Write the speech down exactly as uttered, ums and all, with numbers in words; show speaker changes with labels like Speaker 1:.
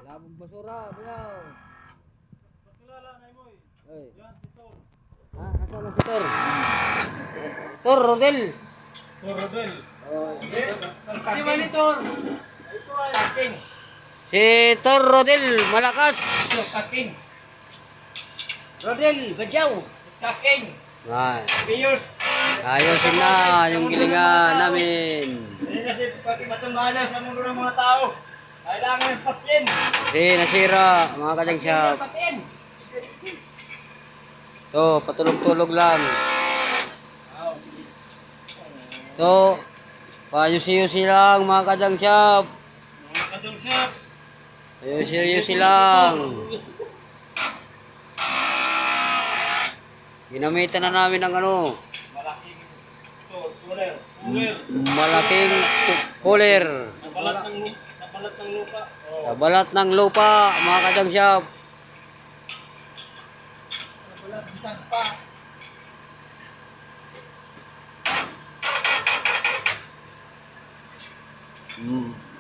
Speaker 1: Labong basura, bayaw.
Speaker 2: Pakilala na mo eh.
Speaker 1: Ay.
Speaker 2: Yan si Tor.
Speaker 1: Ha, nasaan na si Tor? Tor Rodel.
Speaker 2: Tor Rodel.
Speaker 1: Oh.
Speaker 2: Di ba ni Tor? Ito ay Kaking.
Speaker 1: Si Tor Rodel, malakas.
Speaker 2: Ito Kaking.
Speaker 1: Rodel, badyaw.
Speaker 2: Kaking.
Speaker 1: Ay,
Speaker 2: Piyos.
Speaker 1: ayusin na yung gilingan namin.
Speaker 2: Hindi kasi pati matumbahan sa mundo ng mga tao. Kailangan ng patyin.
Speaker 1: Kasi nasira, mga kajang shop.
Speaker 2: Patyin.
Speaker 1: To, patulog-tulog lang. To, payusi-yusi lang mga kajang shop.
Speaker 2: Mga kadong shop.
Speaker 1: Ayusi-yusi lang. Ginamitan na namin ng ano,
Speaker 2: Malaking ito, cooler. Cooler.
Speaker 1: malaking cooler.
Speaker 2: Sa balat ng lupa. Sa balat ng lupa. Oh.
Speaker 1: Sa balat ng lupa, mga kajang shop.
Speaker 2: Sa balat bisag pa.
Speaker 1: Mm.